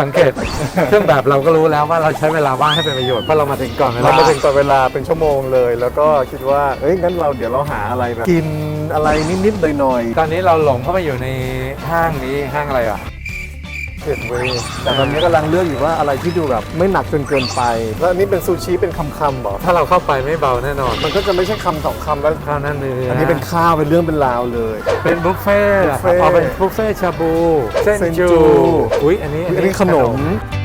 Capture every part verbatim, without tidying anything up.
สังเกตเครื่องแบบเราก็รู้แล้วว่าเราใช้เวลาว่างให้เป็นประโยชน์เพราะเรามาถึงก่อนเวลาเรามาถึงก่อนเวลาเป็นชั่วโมงเลย แล้วก็คิดว่าเอ้ยงั้นเราเดี๋ยวเราหาอะไรแบบกินอะไรนิดๆหน่อยตอนนี้เราหลงเข้าไปอยู่ในห้างนี้ห้างอะไรอ่ะๆเผ็ดเว้ยแต่ตอนนี้กำลังเลือกอยู่ว่าอะไรที่ดูแบบไม่หนักจนเกินไปแล้วอันนี้เป็นซูชิเป็นคำๆบอกถ้าเราเข้าไปไม่เบาแน่นอนมันก็จะไม่ใช่คำสองคำแล้วข้าวหน้าเนื้ออัอันนี้เป็นข้าวเป็นเรื่องเป็นราวเลยเป็นบุฟเฟ่ต์บุฟเฟ่ต์อ๋อเป็นบุฟเฟ่ต์ชาบูเส้นเส้นจูจูอุ้ยอันนี้อันนี้ขนม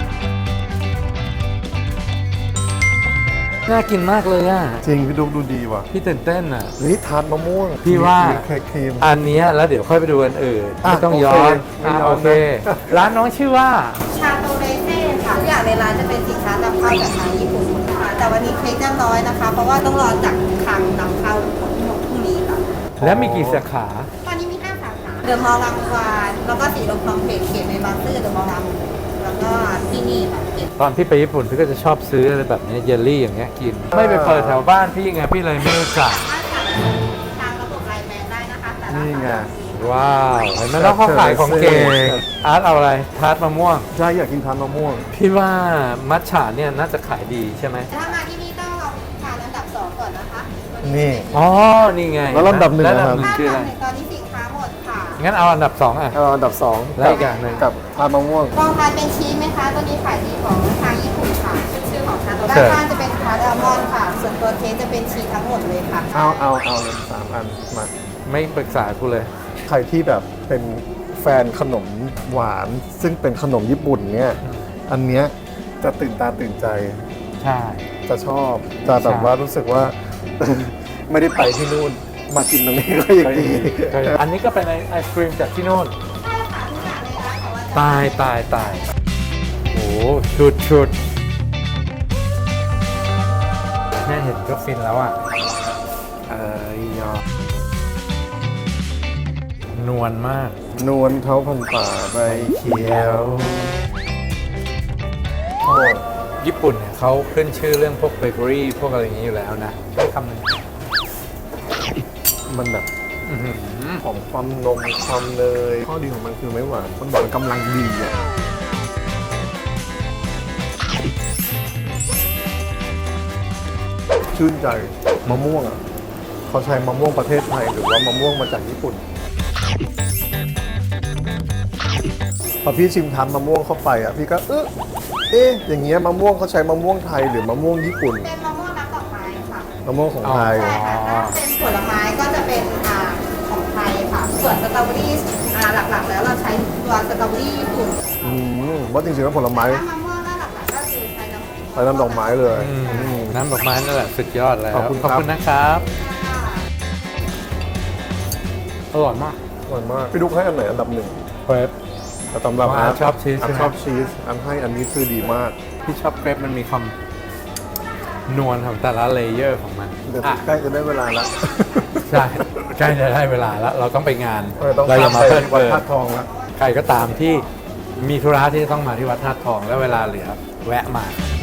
น่ากินมากเลยอ่ะจริงพี่ดูดูดีว่ะพี่ตื่นเต้นอ่ะเฮ้ยทานมะม่วงพี่ว่าเค้กครีมอันเนี้ยแล้วเดี๋ยวค่อยไปดูอันอื่นอ่ะไม่ต้องย้อนโอเคไม่อ่ะย้อนโอเคนะร้านน้องชื่อว่าชาโตเรเซ่ค่ะทุกอย่างในร้านจะเป็นสินค้านำเข้าจากทางญี่ปุ่นค่ะแต่วันนี้เค้กจะน้อยนะคะ เพราะว่าต้องรอจากคลังนำเข้าพรุ่งนี้ค่ะและมีกี่สาขาตอนนี้มีห้าสาขาเดอะมอลล์รังวานแล้วก็สีลมคลองเพจเขียนในบางซื่อเดอะมอลล์รังแล้วก็ที่นี่ค่ะเขียนตอนพี่ไปญี่ปุ่นพี่ก็จะชอบซื้ออะไรแบบเนี้ยเยลลี่อย่างเงี้ยกิน ไม่ไปเปิดแถวบ้านพี่ไงพี่เลยไม่รู้จักสามารถสั่งทางระบบไลน์แมนได้นะคะแต่ละนี่ไงว้าวเห็นไหมแล้วเขาขายของเก่งอาร์ตเอาอะไรทาร์ตมะม่วงใช่อยากกินทานมะม่วงพี่ว่ามัทฉะเนี่ยน่าจะขายดีใช่ไหมถ้ามาที่นี่ต้องลองทานอันดับสองก่อนนะคะนี่อ๋อ นี่ไงแล้วลำดับหนึ่งแล้วนะลำครัดับบหนึ่งคืออะไรตอนนี้สินค้าหมดค่ะงั้นเอาอันดับสองอ่ะเอาอันดับสองแล้วอีกอย่างหนึ่งกับทานมะม่วงลองทานเป็นชีสไหมคะ ตัวนี้ขายดีของทางญี่ปุ่นค่ะ ชื่อของทางด้านข้างจะเป็นทาร์ตอัลมอนด์ค่ะ ส่วนตัวเค้กจะเป็นชีสทั้งหมดเลยค่ะเอาเอาเอาเลยสามอันมาไม่ปรึกษากูเลยใครที่แบบเป็นแฟนขนมหวาน ซึ่งเป็นขนมญี่ปุ่นเนี่ยอันเนี้ยจะตื่นตาตื่นใจใช่จะชอบจะแบบใช่ว่ารู้สึกว่า ไม่ได้ไปที่นู่นมากินตรงนี้ก็ยังดีอันนี้ก็เป็นไอศครีมจากที่โน่นใช่ค่ะทุกอย่างในร้านของว่าจะตายตายตายโอ้ชุดชุดแม่เห็นก็ฟินแล้วอ่ะ เอ้ยยอดนวลมากนวลเท้าพันป่าใบเขียวโอ้ญี่ปุ่นเนี่ยเขาขึ้นชื่อเรื่องพวกเบเกอรี่พวกอะไรอย่างนี้อยู่แล้วนะให้คำหนึงมันแบบอื้อหือของความนมความเนยข้อดีของมันคือไม่หวานมันหวานกำลังดีอ่ะชื่นใจมะม่วงอ่ะเขาใช้มะม่วงประเทศไทยหรือว่ามะม่วงมาจากญี่ปุ่นพอพี่ชิมทานมะม่วงเข้าไปอ่ะพี่ก็เออเอ๊ะอย่างเงี้ยมะม่วงเขาใช้มะม่วงไทยหรือมะม่วงญี่ปุ่นเป็นมะม่วงน้ำดอกไม้ค่ะมะม่วงของไทยใช่ค่ะถ้าเป็นผลไม้ก็จะเป็นอ่าของไทยค่ะ ส่วนสตรอเบอรี่อ่าหลักๆ แล้วเราใช้ตัวสตรอเบอรี่ญี่ปุ่นอืมว่าจริงๆแล้วผลไม้ถ้ามะม่วงก็หลักๆก็คือใช้น้ำใช้น้ำดอกไม้เลยอืมอืมน้ำดอกไม้นั่นแหละสุดยอดแล้วขอบคุณครับขอบคุณนะครับ อร่อยมากอร่อยมากพี่ดุ๊กให้อันไหนอันดับหนึ่งเครปแต่สำหรับว่าอาร์ตชอบชีสอาร์ตใช่ไหมชอบชีสอันให้อันนี้คือดีมากที่ชอบเครปมันมีความนวลของแต่ละเลเยอร์ของมันเดี๋ยวอ่ะใกล้จะได้เวลาละใช่ใกล้จะได้เวลาแล้ว เราต้องไปงานเออต้องเราอย่ามาไปเพิ่มวัดเติมธาตุทองละใครก็ตามที่มีธุระที่จะต้องมาที่วัดธาตุทอง และเวลาเหลือแวะมา